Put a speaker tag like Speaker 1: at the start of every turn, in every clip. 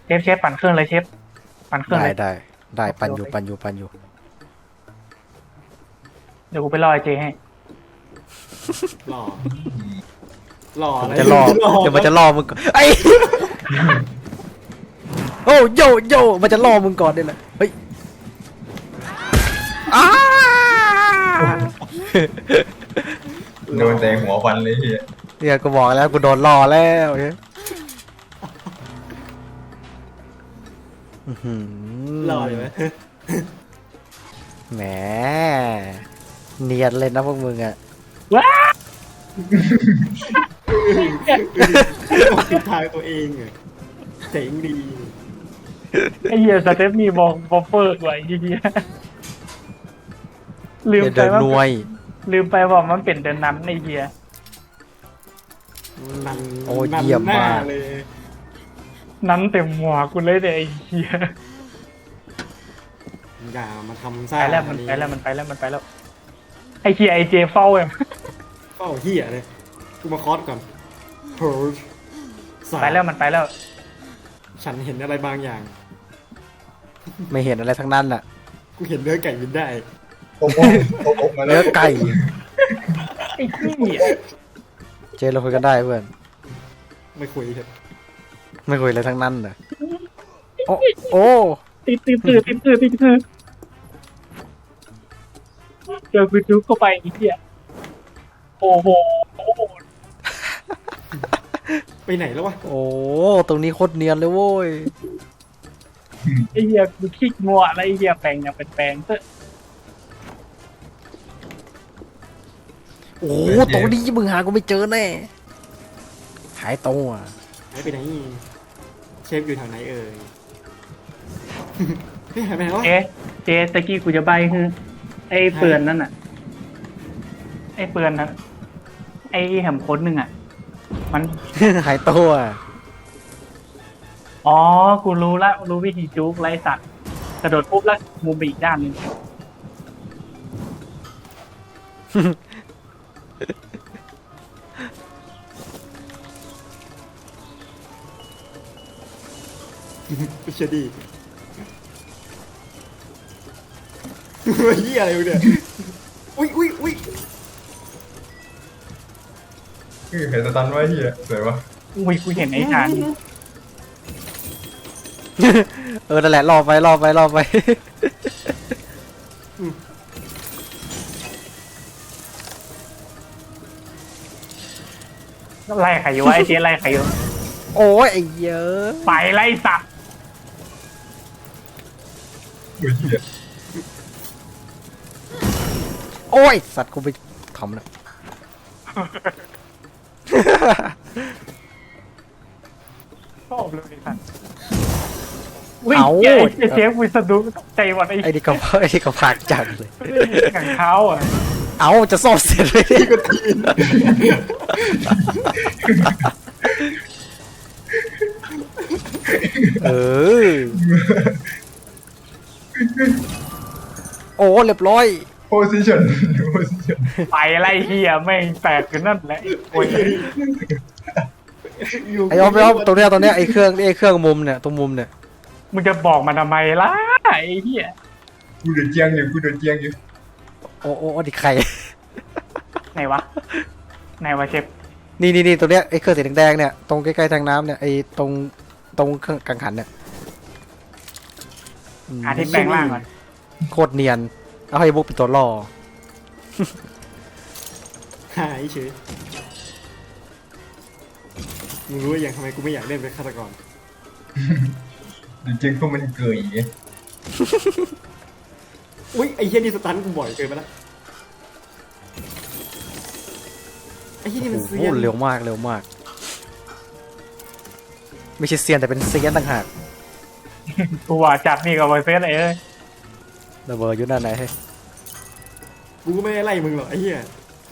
Speaker 1: เชฟปั่นเครื่องเลยเชฟปั่นเครื่องเลย
Speaker 2: ได้ปันอยู่
Speaker 1: เดี๋ยวกูไปรอไอเจให้
Speaker 3: หล่อหล่อ
Speaker 2: มันจะล่อเดี๋ยวมันจะล่อมึงก่อนไอ้ โอ้โยมันจะล่อมึงก่อนได้แหละเฮ้ยอ้า
Speaker 4: โดนแต่หัวฟันเลยที
Speaker 2: เนี่ยกูบอกแล้วกูโดนล่อแล้วเฮ้ยอื้อหือ
Speaker 3: หล่อเลยไหม
Speaker 2: แหมเนียนเลยนะพวกมึงอะ
Speaker 1: ว้า
Speaker 3: ติดทางตัวเองอะเจ๋งดี
Speaker 1: ไอเหี้ยสเตฟนี่บอกบอฟเฟอร์ไว้ไอ้เหี้ยลืมไป
Speaker 2: เดิน
Speaker 1: ว่า
Speaker 2: หน่วย
Speaker 1: ลืมไปว่ามันเป็นเดินนั้นไอเหี้ย
Speaker 3: นัน
Speaker 2: โอ้เยี่ยมมาก
Speaker 3: เลย
Speaker 1: นั้นเต็มหัวกูเลยเด็ไอเหี้ย
Speaker 3: อย่ามาทำซ่า
Speaker 1: ไปแล้วมันไปแล้วไอเหี้ยไอเจเฝ้าเอ็ม
Speaker 3: เป้าเหี้ยเลยกูมาคอสก่อนเฮ้ยสาย
Speaker 1: ไปแล้วมันไปแล้ว
Speaker 3: ฉันเห็นอะไรบางอย่าง
Speaker 2: ไม่เห็นอะไรทั้งนั้นน่ะ
Speaker 3: กูเห็นเนื้อไก่บินได้
Speaker 4: โอ้โหมาแล้
Speaker 2: เนื้
Speaker 4: ว
Speaker 2: อไก่
Speaker 1: ไอ้เหี้ย
Speaker 2: เจเราคุยกันได้เพื่อน
Speaker 3: ไม่คุยเถอะ
Speaker 2: ไม่คุยอะไรทั้งนั้นน่ะโอ้
Speaker 1: ติดเจอกูจุ๊กเข้าไปไอ้เหี้ยโอ้โห
Speaker 3: ไปไหนแล้ววะ
Speaker 2: โอ้ตรงนี้โคตรเนียนเลยโว้ย
Speaker 1: ไอ้เหี้ยกูขี้งัวอะไรไอ้เหี้ยแปลงอย่างเป็นแปลงเถอะ
Speaker 2: โอ้ตรงนี้มึงหากูไม่เจอแน่หายตัว
Speaker 3: หายไปไหนเชฟอยู่แถวไหนเอ่ย เฮ้ยหายไปไหนวะ
Speaker 1: เจตะกี้กูจะใบคือไอ้เปือนนั่นน่ะไอ้เปือนนั้นไอ้แหมพ้นหนึ่งอ่ะมัน
Speaker 2: หายตัว
Speaker 1: อ๋อ กูรู้ละรู้วิธีจุกไล่สัตว์กระโดดปุ๊บแล้วมุมไปอีกด้านหนึง
Speaker 3: ไม่เชื่อดีเฮียอะไรวะเนี่ยอุ้ย
Speaker 4: เห็นสตันไว้ที่สวยวะ
Speaker 1: อุ้ยกูเห็นไอ้ชาน
Speaker 2: นั่นแหละรอไป
Speaker 1: ไล่ใครอยู่วะไอ้เจ๊ไล่ใครอยู่
Speaker 2: โอ้ยไอ้เยอะ
Speaker 1: ไปไล่สัตว์
Speaker 4: อุ้ยเหี้ย
Speaker 2: โอ้ยสัตว์กูไปทำนะ
Speaker 1: ชอบเลยไอ้สัตว์อุ้ยไอ้เจ๊กูสะดุ้งตกใจหมดไอ้
Speaker 2: ไอ้นี่ก็พากจังเลย
Speaker 1: ขังเท้าอ่ะ
Speaker 2: เอาจะซ่อมเสร็จเลย
Speaker 3: ที่ก็ทีน
Speaker 2: เออโอ้เรียบร้อย
Speaker 4: โพซิชั่น
Speaker 1: ไปไล่เฮียแม่งแตกกันนั่นแหละโอ้ย
Speaker 2: ไอ้ออฟตรงเนี้ยไอ้เครื่องมุมเนี่ยตรงมุมเนี่ย
Speaker 1: มึงจะบอกมันทำไมล่ะไอ้เฮีย
Speaker 4: กูเดือดเจียงอยู่
Speaker 2: โอ้ดิใคร
Speaker 1: ไหนวะเชฟ
Speaker 2: นี่ตรงเนี้ยไอ้เครื่องสีแดงๆเนี่ยตรงใกล้ๆทางน้ำเนี่ยไอ้ตรงเครื่องกังหันเนี่ย
Speaker 1: หาที่แปลงร่างก่อน
Speaker 2: โคตรเนียนเอาให้บุ๊กเป็นตัวล่อ
Speaker 3: หายเฉยมึงรู้อย่างทำไมกูไม่อยากเล่นเป็นฆาตกร
Speaker 4: เดือดเจียงพวกมันเกย
Speaker 3: อุ้ยไอ้เฮียนี่สตันกูบ่อยเกินไปละไอ้เฮียนี่มันเซี
Speaker 2: โอ้
Speaker 3: ยน
Speaker 2: เร็วมากไม่ใช่เซียนแต่เป็นเซียนต่างหาก
Speaker 1: กูว่าจับนี่กับไวเฟสเลย
Speaker 2: ระเบิดอยู่ด้านไหนให้
Speaker 3: กูก็ไม่ได้ไล่มึงหรอกไอ้เฮีย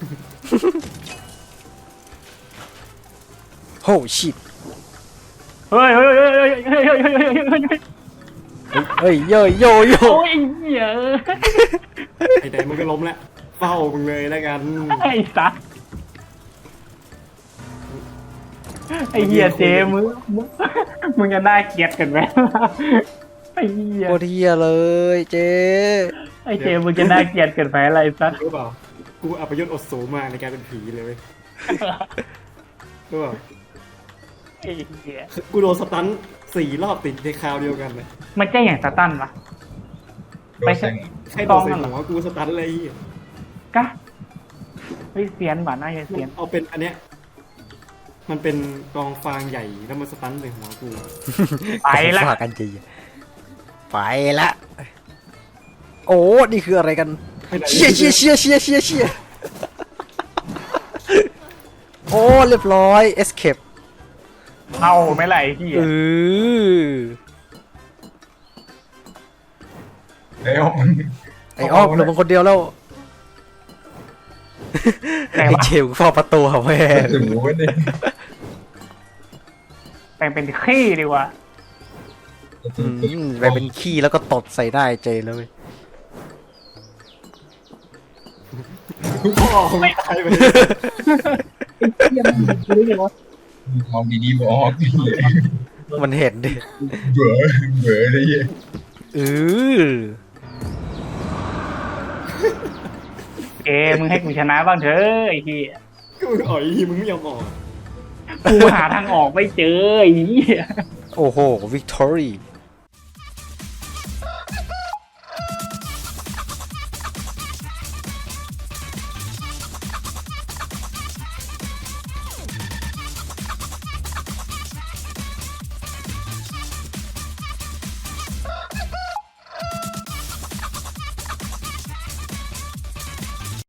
Speaker 2: โอ้ชิต
Speaker 1: เฮ้ย
Speaker 2: เฮ้ยโย
Speaker 1: โอ้ยเหี้ย
Speaker 3: ไอ้ไหนมึงก็ล้มแล้วเฝ้ามึงเลยแล้วกัน
Speaker 1: ไอ้สัสไอ้เหี้ยเจมึงจะน่าเกลียดกันไหมไอ้เหี้ย
Speaker 2: โคตรเฮียเลยเจ
Speaker 1: ไอ้เจมึงจะน่าเกลียดกันไหมอะไรสัก
Speaker 3: รู้เปล่ากูอัปยศอดสูมากในการเป็นผีเลยเว้ยรู้เปล่า
Speaker 1: ไอ้เหี้ย
Speaker 3: กูโดนสตัน4 รอบติดในคราวเดียวกันเลย
Speaker 1: มันแจ้งอย่างสตันปะ
Speaker 4: โดนแซง
Speaker 3: ใครโดนใส่หัวกูสตันเลยไอ้เหี้ย
Speaker 1: กะเฮ้ยเสียนว่ะน่าจะเสียน
Speaker 3: เอาเป็นอันเนี้ยมันเป็นกองฟางใหญ่แล้วมันสตันใส่หัวกู
Speaker 1: ไปละ
Speaker 2: ฝากกันจริงไปละโอ้นี่คืออะไรกันเชียเชียเชียเชียเชียเชียโอ้เรียบร้อยเอสเคป
Speaker 1: เอาไม่ไหลพี่
Speaker 2: เออ
Speaker 4: ไอ้ออก
Speaker 2: ไอ้อ้อมเหลือมึงคนเดียวแล้ว
Speaker 1: แต่
Speaker 2: ไอ้
Speaker 1: ว่า
Speaker 2: เจมส์เฝ้าประตูเหรอแม่
Speaker 4: ถึงรู้ดิ
Speaker 1: แต่งเป็นขี้ดีกว่า
Speaker 2: ไปเป็นขี้แล้วก็ตดใส่ได้เจเลย
Speaker 3: พ่อไม่ตายไป
Speaker 4: มองดีๆบอก
Speaker 2: มันเห็นดิ
Speaker 4: เบื่อเบื่อเลย
Speaker 2: เออ
Speaker 1: เจมึงให้กูชนะบ้างเถอะไอ้เหี้ย
Speaker 3: กูอ่อยมึงไม่ยอมออก
Speaker 1: กูหาทางออกไม่เจอไอ้เหี้ย
Speaker 2: โอ้โหวิกตอรี่